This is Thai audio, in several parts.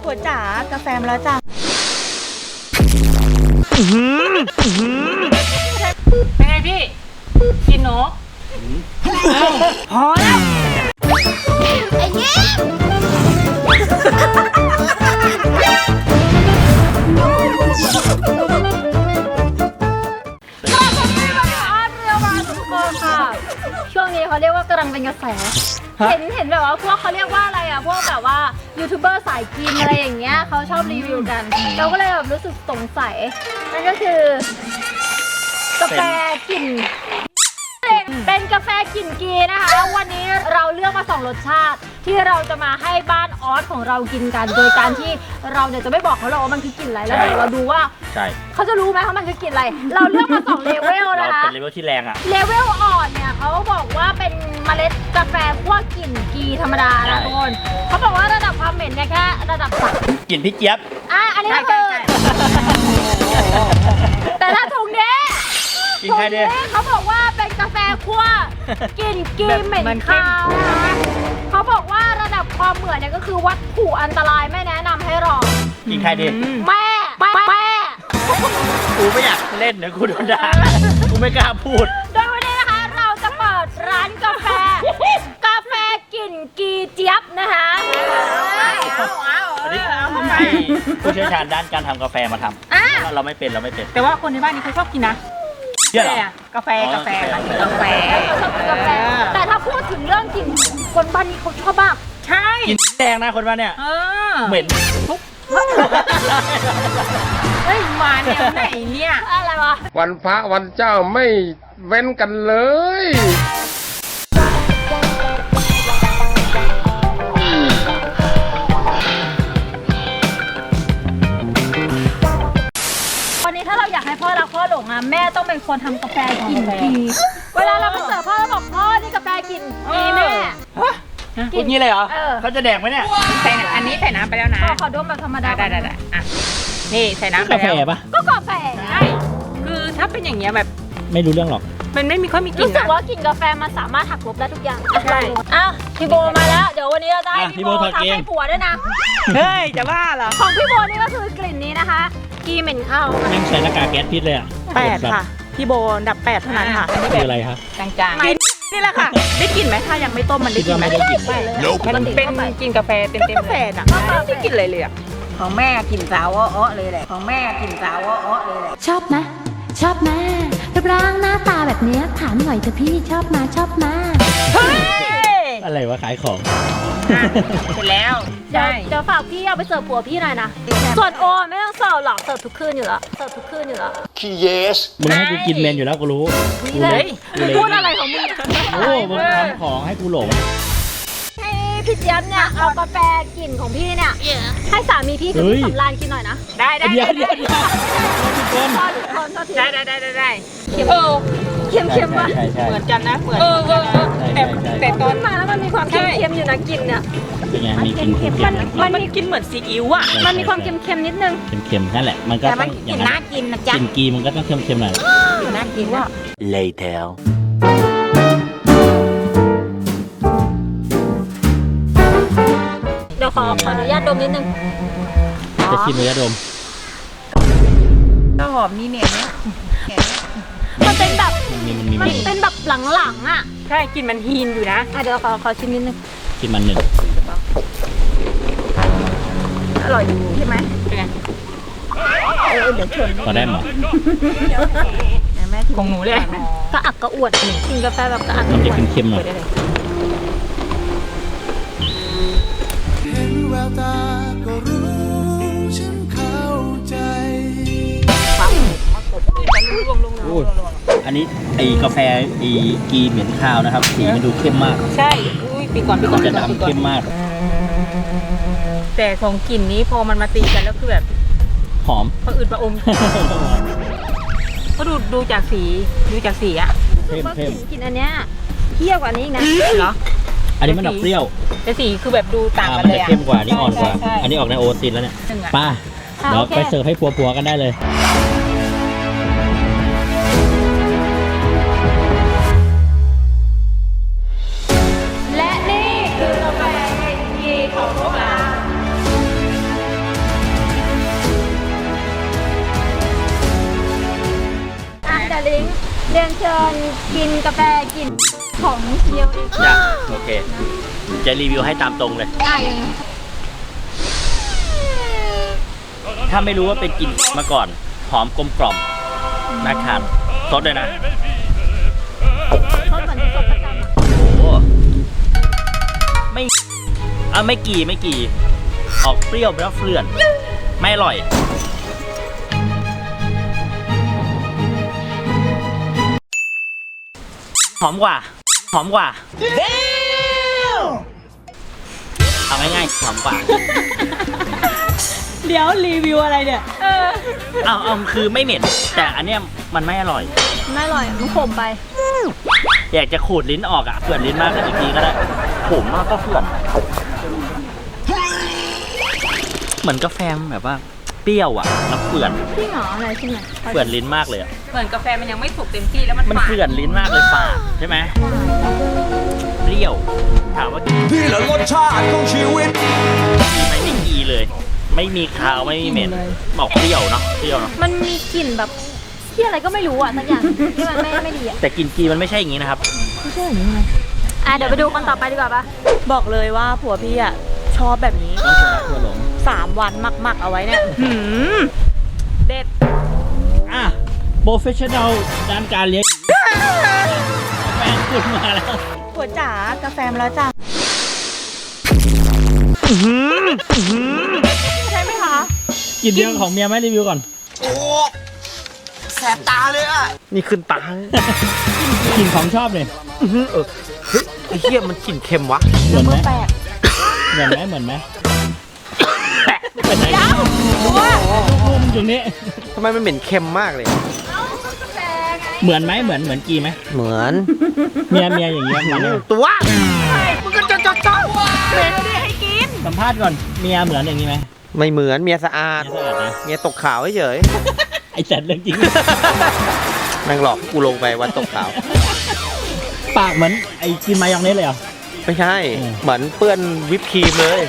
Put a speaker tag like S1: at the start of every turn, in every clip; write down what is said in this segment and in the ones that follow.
S1: ผัวจ๋ากาแฟมาแล้วจ้ะ
S2: เป็นไงพี่กินนกพอแล้ว
S1: ไอ้เงี้ย
S3: ช่วงนี้เขาเรียกว่ากำลังเป็นกระแสเห็นแบบว่าพวกเขาเรียกว่าอะไรอ่ะพวกแบบว่ายูทูบเบอร์สายกินอะไรอย่างเงี้ยเขาชอบรีวิวกันเราก็เลยแบบรู้สึกสงสัยนั่นก็คือกาแฟกลิ่นเป็นกาแฟกลิ่นกีนะคะวันนี้เราเลือกมา2รสชาติที่เราจะมาให้บ้านออสของเรากินกันโดยการที่เราเนี่ยจะไม่บอกเขาหรอกว่ามันคือกลิ่นอะไรแล้วเดี๋ยวเราดูว่าเขาจะรู้ไหมว่ามันคือกลิ่นอะไรเราเลือกมา2เลเวลนะคะ
S4: เป็นเลเวลที่แรงอะ
S3: เลเวลอ่อนเนี่ยเขาบอกว่าเป็นเมล็ดกาแฟพวกกลิ่นกีธรรมดานะทุกคนเขาบอกว่าระดับความเหม็นเนี่ยแค่ระดับ3
S4: กลิ่นพี่เจี๊ยบ
S3: อันนี้ก็คือแต่ถ้าถุงนี้
S4: กินใครดี
S3: เขาบอกว่าเป็นกาแฟคั่วกลิ่นกีเหม็นคาวนะเขาบอกว่าระดับความเหมือนเนี่ยก็คือวัตถุอันตรายไม่แนะนำให้ลอง
S4: กินใครดี
S3: แม่
S4: กูไม่อยากเล่นเดี๋ยวกูโดนด่ากูไม่กล้าพูด
S3: โดยวันนี้นะคะเราจะเปิดร้านกาแฟกลิ่นกีเจี๊ยบนะคะ
S4: อันนี้ให้ผู้เชี่ยวชาญด้านการทำกาแฟมาทำเราไม่เป็น
S2: แต่ว่าคนในบ้านนี้เขาชอบกินนะกาแฟชอบกินกาแฟ
S3: แต่ถ้าพูดถึงเรื่องกลิ่นคนบ้านนี้เขาชอบมาก
S2: ใช่
S4: กินแดงนะคนบ้านเนี่ยเหม็นทุก
S2: เฮ้ยมาแนวไหนเนี่ย
S3: อะไรวะ
S5: วันพระวันเจ้าไม่เว้นกันเลย
S3: วันนี้ถ้าเราอยากให้พ่อรักพ่อหลงแม่ต้องเป็นคนทำกาแฟกลิ่นกีเวลาเราไปเสิร์ฟพ่อเราบอกพ่อนี่กาแฟกลิ่นกีแม่
S4: กินงี้เลยเหรอเขาจะแดกไหมเนี่ย
S2: ใส่อันนี้ใส่น้ำไปแล้วนะ
S3: ขอดมแบบธรรมดา
S2: ได้อ่ะนี่ใส่น้ำไปแล้ว
S4: กาแฟปะ
S3: ก็กาแฟ
S2: ใช่คือถ้าเป็นอย่างเงี้ยแบบ
S4: ไม่รู้เรื่องหรอก
S2: มันไม่มีค่อยมีกลิ่น
S3: รู้สึกว่ากลิ่นกาแฟมันสามารถหักลบได้ทุกอย่างใช่พี่โบมาแล้วเดี๋ยววันนี้เราจะให้พี่โบทำให้ผัวด้วยนะ
S2: เฮ้ยจะบ้าเหรอ
S3: ของพี่โบนี่ก็คือกลิ่นนี้นะคะกีเหม็นข้าว
S4: นั่งใช้หน้ากากแก๊สพิษเลยอ่ะ
S1: 8ค่ะพี่โบดับ8เท่านั้นค่ะ
S4: คืออะไรครับ
S2: จางๆ
S1: กินนี่แหละค่ะได้กลิ่นไหมถ้ายังไม่ต้มมันได้กลิ่นไหม
S4: ไม่ได้กลิ่น
S2: มันเป็นกลิ่นกาแฟเต็ม
S1: กาแฟน่ะ
S2: ไม่ได้กลิ่นอะไรเลย
S6: ของแม่กลิ่นสาวอ้อเลยแหละของแม่กลิ่นสาวอ้อเลยแหละ
S7: ชอบไหมรูปร่างหน้าตาแบบนี้ถามหน่อยเถอะพี่ชอบมา
S4: อะไรวะขายของ
S2: เสร็จแล้ว
S3: เดี๋ยวฝากพี่เอาไปเสิร์ฟผัวพี่หน่อยนะส่วนโอไม่ต้องเสิร์ฟหรอกเสิร์ฟทุกคืนอยู่แล้ว
S5: ขี้เยส
S4: มึงให้กูกินเมนอยู่แล้วกูรู้
S3: พูดอะไรของมึง
S4: โอ้มึงทำของให้กูหลง
S3: ให้พี่เจี๊ยบเนี่ยเอากาแฟกลิ่นของพี่เนี่ยให้สามีพี่คือสำรานกินหน่อยนะ
S2: ได้
S4: เดี๋ยวได้
S3: เค็มป่ะ
S2: เหมือนกันนะเหมือนแต่ตอน
S3: มาแล้วมันมีความเค็มอยู่นะกลิ่นเนี่ย
S4: เป็นไงมีกลิ่นเค็ม
S2: มันกินเหมือนซีอิ๊วอ่ะ
S3: มันมีความเค็มนิดนึง
S4: เค็มนั่นแหละมันก็ต้องอย่างนั้น
S6: น่ากินนะจ๊ะ
S4: กลิ่นกีมันก็ต้องเค็มหน่อย
S6: น่ากินว่า
S4: later
S3: เดี๋ยวขออนุญาตดมนิดนึง
S4: จะชิมเลยดม
S6: ข้าวหอมนี่เนี่ย
S3: มันเป็นแบบหลังๆอ่ะ
S2: ใช่กินมันฮีนอยู่นะ
S3: เดี๋ยวขอชิมนิดนึง
S4: กินมันหนึ่ง
S6: อร่อยอยู่ใช่ไหม
S2: เป็นไง
S6: เดี๋ยวชวน
S4: พอได้หมอ
S2: ของหนูเลย
S3: กระอักกระอ่วนกินกาแฟแบบกระอักกระ
S4: อ่วนมันจะเค็มๆหน่อย
S5: เห็นแววตาก็รู้ฉันเข้าใจ
S4: อันนี้ไอ้กาแฟไอ้กีเหม็นคาวนะครับสีมันดูเข้มมาก
S2: ใช่ปีก่อน
S4: จะดำเข้มมาก
S2: แต่ของกลิ่นนี้พอมันมาตีกันแล้วคือแบบ
S4: หอม
S2: พออืดประอมก็ดูจากสีอ่ะ
S4: เข้ม
S3: กลิ่นอันเนี้ยเที่ยวกว่านี้อีกนะ
S2: เหรอ
S4: อันนี้มันออกเปรี้ยว
S2: แต่สีคือแบบดูต่างกันเลย
S4: เข้มกว่านี่อ่อนกว่าอันนี้ออกในโอตินแล้วเนี่ยป้าเดี๋ยวไปเสิร์ฟให้ผัวกันได้เลย
S3: และนี่คือกาแฟกีของพวกเราเรียนเชิญกินกาแฟกินของเดียวเอง
S4: อยากโอเค จะรีวิวให้ตามตรงเลย
S3: ได้ยังไง
S4: ถ้าไม่รู้ว่าเป็นกลิ่นมาก่อน หอมกลมกล่อมน่าทานซดเลยนะ
S3: รสเหมือนสดประจำอะ
S4: โอ้ไม่ไม่กี่ ออกเปรี้ยวแล้วเฟื่อน ไม่อร่อย หอมกว่า เอาง่ายๆหอมกว่า
S1: เดี๋ยวรีวิวอะไรเนี่ย
S4: เอาคือไม่เหม็น แต่อันเนี้ยมันไม่อร่อย
S3: ไม่อร่อยมันขมไป
S4: อยากจะขูดลิ้นออกอ่ะเฟื่อนลิ้นมากกันอีกทีก็ได้ขมมากก็เฟื่อน เหมือนกาแฟแบบว่า เปรี้ยวอ่ะแล้วเฟื่อน
S3: พี่หงออะไรใช่ไหม
S4: เฟื่อนลิ้นมากเลยอ่ะ
S2: เหมือนกาแฟมันยังไม่สุกเต็มที่แล้วมัน
S4: มัน
S2: ฝาด
S4: เฟื่อนลิ้นมากเลยฝาดใช่ไหมเปรี้ยว ถามว่ากี
S5: นี่แหละรสชาติของชีวิต
S4: ไหมไม่กีเลย ไม่มีคาวไม่มีเหม็นบอกเปรี้ยวเนาะเปรี้ยวเนาะ
S3: มันมีกลิ่นแบบที่อะไรก็ไม่รู้อ่ะสักอย่างที่มันไม่ดีอ่ะ
S4: แต่กินกีมันไม่ใใช่อย่างนี้นะครับ
S3: เดี๋ยวไปดูคนต่อไปดีกว่าปะ
S1: บอกเลยว่าผัวพี่อ่ะชอบแบบนี้
S4: ต้องชนะทั่วหลง
S1: 3 วันหมักๆเอาไว้เนี่ยเด็ด
S4: อ่ะโปรเฟชชั่นอลด้านการเลี้ยงแฟนคุณมาแล้ว
S1: ผัวจ๋ากาแฟมาแล้วจ้ะใช่ไหมคะ
S4: กินเรื่องของเมียไหมรีวิวก่อน
S5: โอ้แสบตาเลยอ่ะ
S8: นี่ขึ้นตา
S4: กลิ่นของชอบเลย
S8: ไอ้เหี้ยมันกลิ่นเค็มวะ
S4: เหมือนไหม
S1: แปลก
S4: เหมือนไหมเป็นไหนพุ่มตรงนี้
S8: ทำไมมันเหม็นเค็มมากเลย
S4: เหมือนไหมเหมือนกีไหม
S8: เหมือน
S4: เมียอย่างเงี้ยมันเนี่ย
S8: ตัว
S1: มึงก็จะเป็นดิให้กิน
S4: สัมภาษณ์ก่อนเมียเหมือนอย่างนี้ไหม
S8: ไม่เหมือนเมียสะอาด
S4: เมียสะอาดนะ
S8: เมียตกขาวเฉย
S4: ไอ้แสนเรื่องจริง
S8: ๆแม่งหลอกกูลงไปวันตกขาว
S4: ปากเหมือนไอ้กินมายองเนสเลยเหรอ
S8: ไม่ใช่
S4: อืม
S8: เหมือนเปื้อนวิปครีมเลย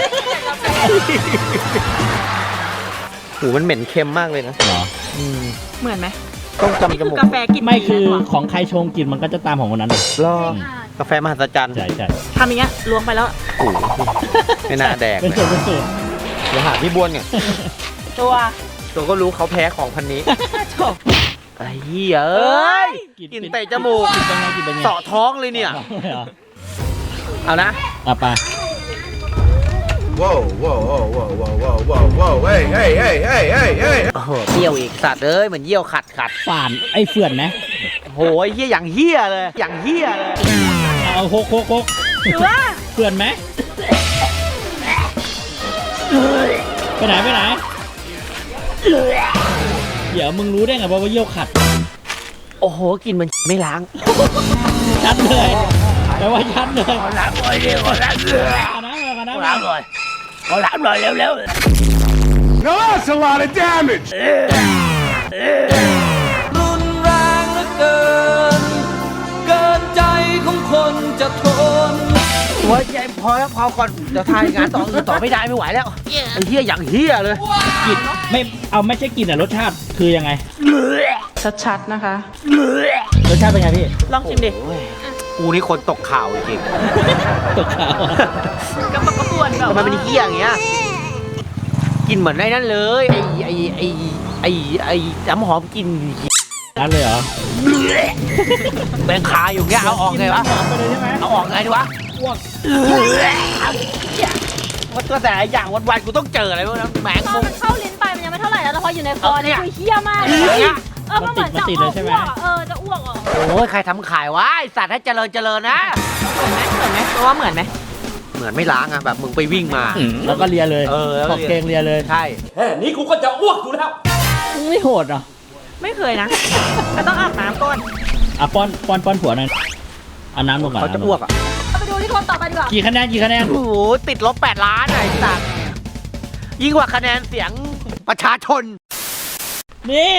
S8: หูมันเหม็นเค็มมากเลยนะ
S4: เหรอ
S1: เหมือนไหม
S8: ต้อง
S1: นี่
S8: จำจ
S1: คือ
S8: มูก
S1: กาแฟกิน
S4: ไม่คือ
S1: ดีนะ
S4: ของใครชงกลิ่นมันก็จะตามของคนนั้นเลย
S8: รอกาแฟมหัศจรรย์
S4: ใช่
S1: ทำอย่างเงี้ยล้วงไปแล้ว
S8: โอ้โหไม่น่าแดก
S4: เป็น
S8: เลย
S4: สูตรเป็นสูตร
S8: เดี๋ยวหาพี่บ้วนก่อน
S1: ตัว
S8: ตัวก็รู้เขาแพ้ของพันนี้
S1: จบ
S8: ไอ้เหี้ยเอ้ย
S4: กลิ่น
S8: กินเตะจมูก
S4: กลิ่นเป็นไงกลิ่นเป็นไง
S8: เสาะท้องเลยเนี่ย
S4: เหรอ
S8: เอานะ
S4: อ่ะไป
S5: ว้าวว้าวว้าวว้าวว้าวว้าวว้าวเฮ้ยเฮ้ยเฮ้ยเฮ้ยเฮ้ยเฮ้ย
S8: โอ้โหเปรี้ยวอีกสัตว์เอ้ยเหมือนเยี่ยวขัด
S4: ฝานไอ้เฟื่อนไหม
S8: โอ้ยเหี้ยอย่างเหี้ยเลย อย่างเหี้ยเลย
S4: เอาโคก
S1: หรือว่า
S4: เฟื่อนไหมไปไหนเดี๋ยวมึงรู้ได้ไงว่าเยี่ยวขัด
S8: โอ้โหกินมันไม่ล้าง
S4: ชัดเลยแปลว่าชัดเลย
S8: ล้างเลยเร็วล้างเลย
S4: เอาน้ำ
S8: ล้างเลยเอาล้างเลยเร็ว
S5: No, that's a lot of damage.
S9: รุนแรงเหลือเกิน เกินใจของคนจะทน
S8: ๆโอ้ยยายพอแล้วพอก่อนเดี๋ยวทายงานต่ออื่นต่อไม่ได้ไม่ไหวแล้วไอ้เหี้ยอย่างเหี้ยเลย
S4: กลิ่นไม่ใช่กลิ่นอะรสชาติคือยังไง
S1: ชัดๆนะคะ
S4: รสชาติเป็นไงพี่
S1: ลองชิมดิ
S8: กูนี่คนตกข่าวจริง
S4: ตกขาว
S1: กระปกกระปวนแบบ
S8: ทำไมเป็นเหี้ยอย่างเงี้ยกินเหมือนไอ้นั่นเลยไอ้น้ำหอมกิน
S4: นั่นเลยเหรอ
S8: แบงคาอยู่เงี้ยเอาออกไงวะ
S4: หอมไปเลยใช่ไหม
S8: เอาออกไงดีวะ
S4: อ้วก
S8: ว่าตัวแต่ละอย่างวันๆกูต้องเจออะไรพวกนั้นแหมง
S3: ตอ
S8: มุ
S3: น
S8: ม
S3: มันเข้าลิ้นไปมันยังไม่เท่าไหร่แล้วแต่พออยู่ในคอเนี่ย
S8: เอาเนี่ย
S3: คือเหี้ยมากเลย
S8: เนี่ย
S3: มันเหมือนจะอ้วกอะจะอ้วกอ่ะ
S8: โอ้ยใครทำขายวะไอสัตว์ให้เจริญนะ
S1: เหมือนไหมตัวว่าเหมือนไหม
S8: เหมือนไม่ล้างอ่ะแบบมึงไปวิ่งมา
S4: แล้วก็เลียเลย
S8: แล้ว
S4: ขอบเกงเลียเลย
S8: ใช่
S4: ไม่โหดเหรอ
S1: ไม่เคยนะ ก็ต้องอาบน้ำก่อน
S4: อ่ะป้อนผัวหน่อยเอาน้ำลงก่อน
S8: เขาจะอ้วกอ่ะ
S3: เอาไปดูที่คนต่อไปดีกว่า
S4: กี่คะแนน
S8: โอ้โหติดลบ8 ล้านอะไอ้สัตว์ยิ่งกว่าคะแนนเสียงประชาชน
S4: นี่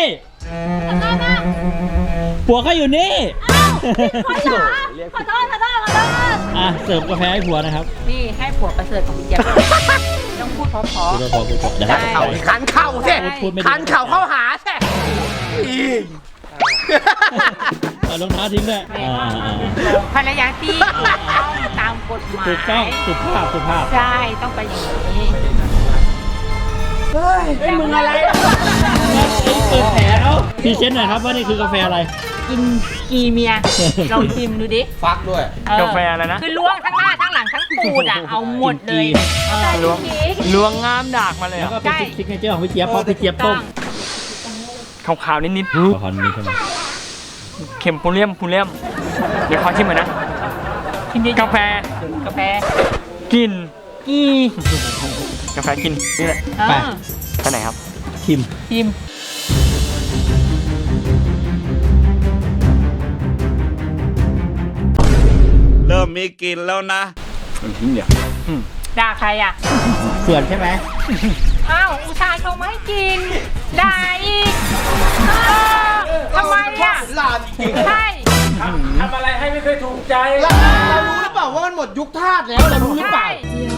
S4: ผัวเขาอยู่นี่
S3: ขอโทษขอโทษ
S4: อ่ะเสิร์ฟกาแฟให้ผัวนะครับ
S2: นี่ให้ผัวประเสริฐของพี่เจี๊ยบต้องพูดเพราะ
S4: พูดพอเดี๋ยวให้
S8: เข่าคันเข่าสิ
S4: พูดไม่ดี
S8: คันเข่าเข้าหาสิ
S4: เอารองเท้าทิ้งด้วย
S2: ภรรยาที่ถูกต้องตามกฎหมาย
S4: ถูกต้องสุภาพสุภาพ
S2: ใช่ต้องไปอย่างนี้
S8: เฮ้ยมึงอะไร
S4: เปิดแผลเขาพรีเซนต์หน่อยครับว่านี่คือกาแฟอะไร
S2: กินกีเมียลองชิมดูดิ
S8: ฟักด้วย
S4: กาแฟอะไรนะ
S2: คือล้วงทั้งหน้าทั้งหลังทั้งตูดอ่ะเอาหมดเลย
S4: ล้วงงามดากมาเลยแล้วก็เป็นซิกเนเจอร์ของพี่เจี๊ยบเพราะพี่เจี๊ยบต้มขาวๆนิดๆขาวๆนิดใช่ไหมเค็มพูเลียมเดี๋ยวขอชิมหน่อยนะกาแฟกินกาแฟกินนี่แหละไปไหนครับชิม
S5: เริ่มมีกลิ่นแล้วนะ
S2: ด่าใครอ่ะ
S4: เขื่อนใช่ไหม
S2: อ้าวอุตส่าห์ชงมาให้กินด่าอีกทำไมอ่ะใช่
S9: ทำอะไรให้ไม่เคยถูกใจ
S8: เรารู้หรือเปล่าว่ามันหมดยุคทาสแล้วเรารู้หรือเปล่า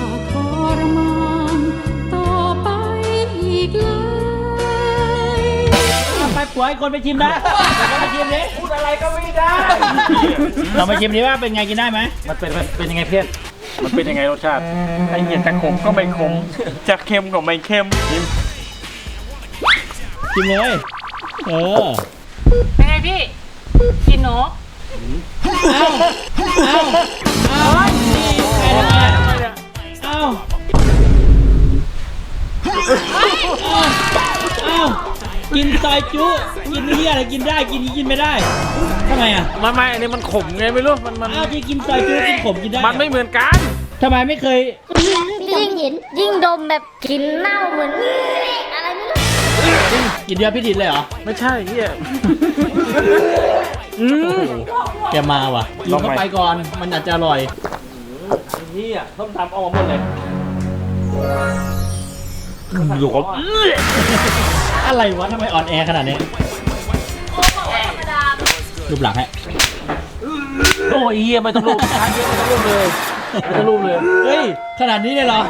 S4: ไปปล่อยคนไปชิมนะเราไปชิมดิพูดอะไรก็ไม่ได้เราไปชิมดิว่าเป็นไงกินได้ไหมมันเป็นยังไงเพื่อนมันเป็นยังไงรสชาติไอ้เหี้ยจะขมก็ไม่ขมจะเค็มก็ไม่เค็มชิมเลย
S2: เป็นไงพี่กินนก
S4: กินซอยจุกินนี่อะไรกินได้กินนี้กินไม่ได้ทำไมอ่ะ
S9: ไม่อันนี้มันขมไงไม่รู้มัน
S4: ที่กินซอยจุกินขมกินได้
S9: มันไม่เหมือนกัน
S4: ทำไมไม่เคย
S7: ยิ่งดมแบบกลินเน่าเหมือนอะไรไม่รู้
S4: กินเดียวพี่ดินเลยเหรอ
S9: ไม่ใช่เฮีย
S4: แกมาว่ะกินเข้าไปก่อนมันอาจจะอร่อยนี่อ่ะต้มตำเอาหมดเลยอยู่กับอะไรวะทำไมอ่อนแอขนาดนี้รูปหลังฮะ
S9: โอ้ยเฮียไม่ต้องรูปช้าเยอะไม่ต้องรูปเลย
S4: เฮ้ยขนาดนี้เลยเหรอ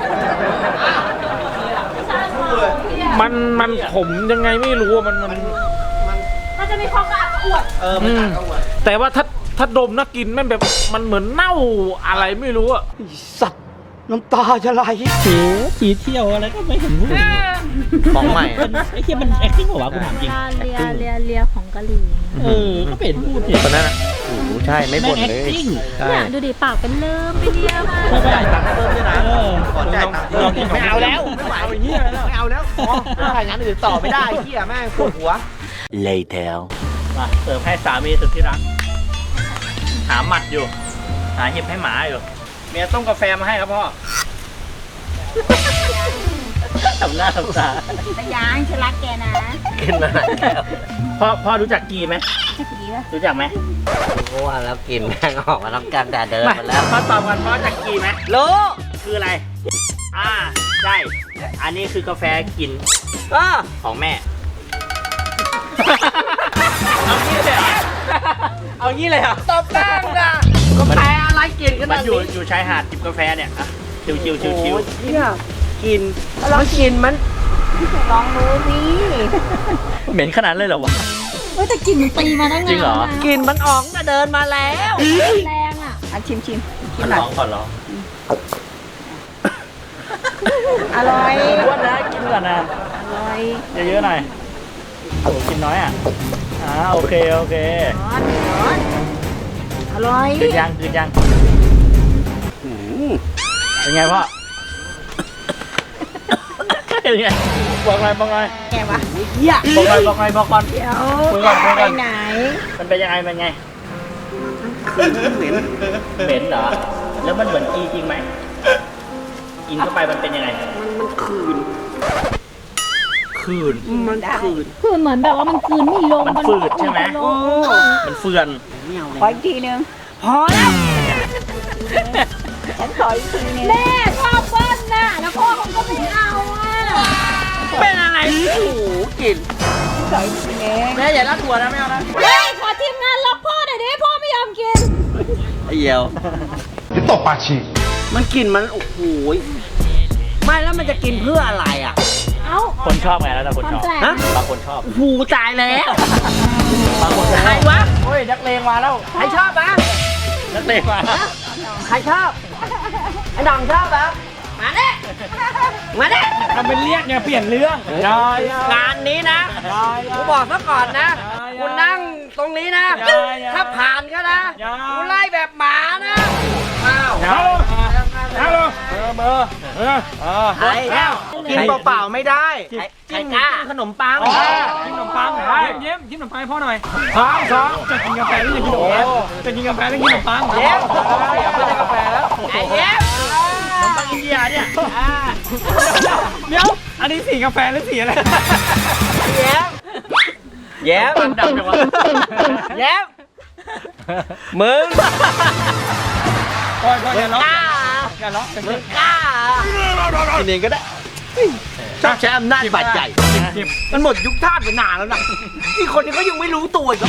S9: มันขมยังไงไม่รู้มัน
S2: จะมีความกระอักกระอ่วน
S9: แต่ว่าถ้าดมนะกินแม่งแบบมันเหมือนเน่าอะไรไม่รู้อะ
S8: สัตว์น้ำตาจะไหล
S4: สีเที่ยวอะไรก็ไม่เห็นพูด
S8: ของใหม่
S4: ไอ้เที่ยมัน acting เหรอวะกูถามจริง
S3: เลียของกะหรี่
S4: ก็เป็นพูดเนี่ย
S8: คนนั้นใช่ไม่บ่นเลย
S3: เนี่ยดูดิปากเป็นเริ่มไปเลียมา
S4: ใช่ตังค์เพิ่มด้วยนะ
S8: ไม่เอาแล้วไม่ไหวเหี้ยไม่เอาแล้วถ้าอย่างนั้นอื่นต่อไม่ได้เหี้ยแม่งปวดหัว
S4: later มาเสิร์ฟให้สามีสุดที่รักหาหมัดอยู่หาเห็บให้หมาอยู่เมียต้มกาแฟมาให้ครับพ่อทำหน้าทำตา
S3: แต่ยังฉันรักแกนะ
S4: กินมาพ่อรู้จักกีไหมรู้จักไหม
S8: เพราะว่าแล้วกินแม่งออกมาต้องการแต่เดินมาแล้ว
S4: พ่อตอบกันพ่อจักกีไหมรู้คืออะไรใช่อันนี้คือกาแฟกินของแม่เอางี้เลยเหรอ
S8: ตบแป้งนะกาแฟอะไรกินกัน
S4: มันอยู่ชายหาดจิบกาแฟเนี่ยชิว
S8: เนี่ยกินแล้วกินมันลองดูนี่
S4: เหม็นขนาดเลยเหรอวะ
S3: แต่กลิ่นมันตีมาตั้งนาน
S4: จริงเหรอ
S8: กินมันออกเดินมาแล้ว
S3: แรงอ่ะชิม
S4: ก่อนลอง
S3: อร่อย
S4: อ้วนนะกินก่อนนะ
S3: อร่อย
S4: เยอะๆหน่อยโอ้กินน้อยอ่ะโอเคร้อน
S3: อร่อย
S4: กินยังเป็นไงพ่อเป็นไงบอกหน่อย
S3: แกวะ
S4: บอกก่อน
S3: เดี๋ยวไปไหน
S4: มันเป็นยังไงเหม็นเหรอแล้วมันเหมือนกีจริงไหมกินเข้าไปมันเป็นยังไง
S8: มันคืน
S3: คือเหมือนแบบว่ามันคืนไม่ลง
S4: มันฝืดใช่ไหมมันเฟือน
S3: ขออีกทีนึงพอแล้วฉันขออีกทีนึงแม่ชอบเบิ้ลน่ะแล้วพ่อเขาก็ไม่เอา
S8: เป็นอะไรโอ้โหกิน
S3: ขออีกทีนึง
S8: แม่อย่ารักหัวนะไม่เอานะ
S3: เฮ้ยขอทีมงานล็อกพ่อหน่อยดิพ่อไม่ยอมกิน
S8: ไอ้เหี้ยว
S5: จะตบปากฉีก
S8: มันกินมันโอ้โหไม่แล้วมันจะกินเพื่ออะไรอ่ะคนชอบไงแล้วแต่คนชอบ
S3: ฮะ
S8: บางคนชอบ
S3: หูตายแล้ว
S8: บางคนชอบ
S3: ใครวะ
S8: โอ้ยนักเลงมาแล้วใครชอบปะนักเลงมาใครชอบไอ้หน่องชอบปะมาเด้มาเด้
S4: ทำเป็นเรียกไงเปลี่ยนเรื่อง
S8: งานนี้นะกูบอกซะก่อนนะกูนั่งตรงนี้นะ ถ้าผ่านก็นะกูไล่แบบหมานะอ้าว
S4: ฮัลโหลเบอร์
S8: ไอ้กินเปล่าๆไม่ได้กินขนมปัง
S4: กินขนมปังเย็บกินขนมปังให้พ่อหน่อยสองจะกินกาแฟหรือจะกินขนมปังจะกินกาแฟหรือกินขนมปัง
S8: เย็บไม่ใช่กาแฟแล้วไอ้เย็บขนมปังอินเดียเนี่ย
S4: เดี๋ยวอันนี้สีกาแฟหรือสีอะไร
S8: เย็บเย็บดำจังวะเย็บมึง
S4: พ่ออย่าล็อกอย่าล็อก
S8: มึงกล้ากินเองก็ได้ชอบใช้อำนาจบาดใหญ่มันหมดยุคทาสไปนานแล้วนะนี่คนนี้ก็ยังไม่รู้ตัวอีก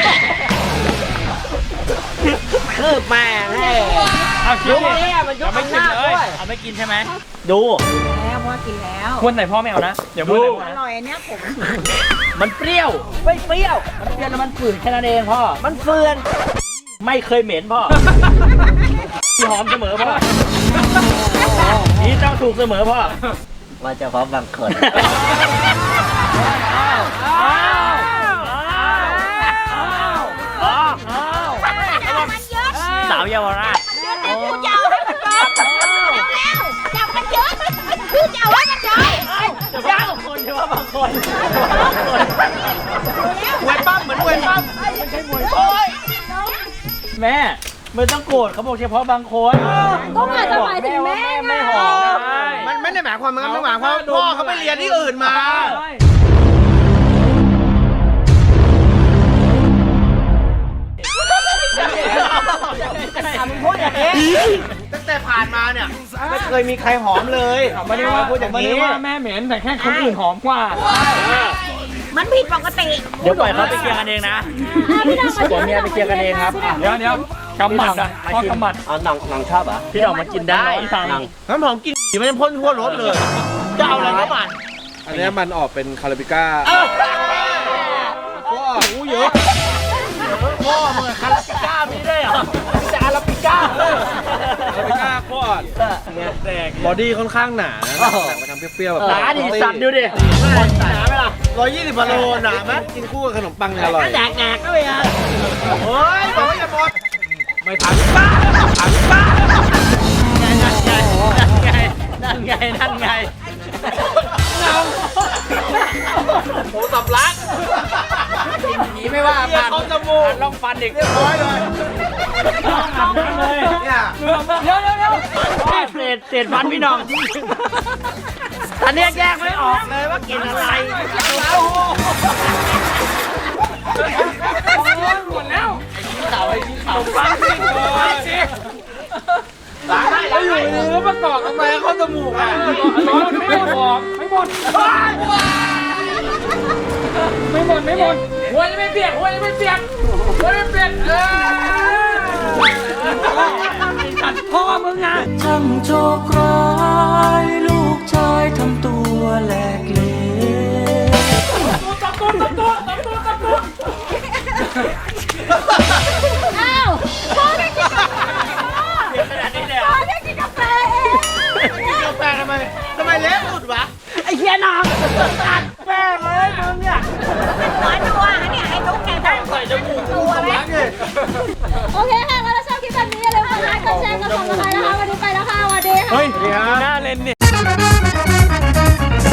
S8: คือแม่งให้
S4: เอาคิ
S8: ยุ
S4: ด
S8: ค
S4: ดิ
S8: นี้มันยุคอำนาจด้วย
S4: เอาไม่กินใช่ไหม
S8: ดู
S6: แล้วพ่อกินแล้ว
S4: ควรใส่พ่อไม่เอานะเดี๋ยวพ่อ
S6: อร่อยอันเนี้ยผม
S8: มันเปรี้ยวไม่เปรี้ยวมันเปรี้ยวแล้วมันฝืนแค่นั้นเองพ่อมันเฟื่อนไม่เคยเหม็นพ่อที่หอมเสมอพ่อนี่เจ้าถูกเสมอพ่อว่าจะพร้อมบางคนสาวเยาวราช
S3: จะเอาให้มันจอยเร็วๆจับมันเยอะคือจะเอาให้มันจอย
S8: บางคนใช่ว่าบางคนมวยปั้มเหมือนมวยปั้มไม่ใช่มวยโอ้ยแม่ไม่ต้องโกรธเขาบอกเฉพาะบางคน
S3: ก็อาจจะหมายถึงแม่
S8: ไม่หอมมันไม่ได้หมายความมันหมายความพ่อเขาไปเรียนที่อื่นมาพูดอย่างนี้ตั้งแต่ผ่านมาเนี่ยไม่เคยมีใครหอมเลยไม่ได้ว่าพูดอย่าง
S4: ไม่
S8: นี้
S4: ได้ว่าแม่เหม็นแต่แค่คนอื่นหอมกว่า
S6: มันผิดปกติ
S8: เดี๋ยวปล่อยเขาไปเคลียร์กันเองนะผมเมียไปเคลียร์กันเองครับ
S4: เดี๋ยวกำหมัดอ่ะพ่อกำหมัด
S8: เอาหนังชอบอ่ะพี่ดอกมันกินได้หนังน้ำหอมกินผีมันพ่นทั่วรถเลยจะเอาอะไรก็มัน
S5: อันนี้มันออกเป็นคาราบิก้า
S8: พ่อหูเยอะพ่อมึงคาราบิก้ามีได้เหรอมีแต่อาราบิก้า
S5: คาราบิก้าโคตรแตกบอดี้ค่อนข้างหนานะแต่มาทำเปรี้ยวๆแบบ
S8: หนาดิสัตว์ดูดิหนาไหมล่ะ
S5: 120 กิโลหนาไหมกินคู่กับขนมปังอร่อย
S8: แดกด้วยอ่ะเฮ้ยบอกว่าอย่าหมด
S5: ไม่ทันป้า
S8: นั่นไงหมูสับลักผีไม่ว่ากันเขาจมูกลองฟันเด็กเรียบร้อยเลยเนี่ยเดี๋ยวเศษฟันพี่น้องอันนี้แยกไม่ออกเลยว่ากินอะไร
S4: หมดแล้ว
S8: ฟันสิ
S4: ไม่อยู่ในเนื้อประกอบทำไมเข้าจมูกอ่ะไม่หมดไม่หมดหัวจะไม่เปียกจัดพ่อมึงนะ
S9: ช่างโชคร้ายลูกชายทำตัวแหลกเหลว
S4: ตัว
S3: อ้าวพ่อได้กินกาแฟ
S8: ขนาดนี้เลย
S3: พ่อได้กินกาแฟเอง
S8: กาแฟทำไมเล็บสุดวะไอ้เหี้ยน้องตัดแป้งเลยมึงเนี่ย
S6: หัวนัวเนี่ยไอ้ตุ๊กแก
S8: ใส่จมูก
S6: ตัวไหม
S3: โอเคค่ะแล้วถ้าชอบคลิปแบบนี้อย่าลืมกดไลค์กดแชร์กดซับสไครต์นะคะวันนี้ไปแล้วค่ะสวัสดีค่ะ
S4: เฮ้ยหน้าเลนเนี่ย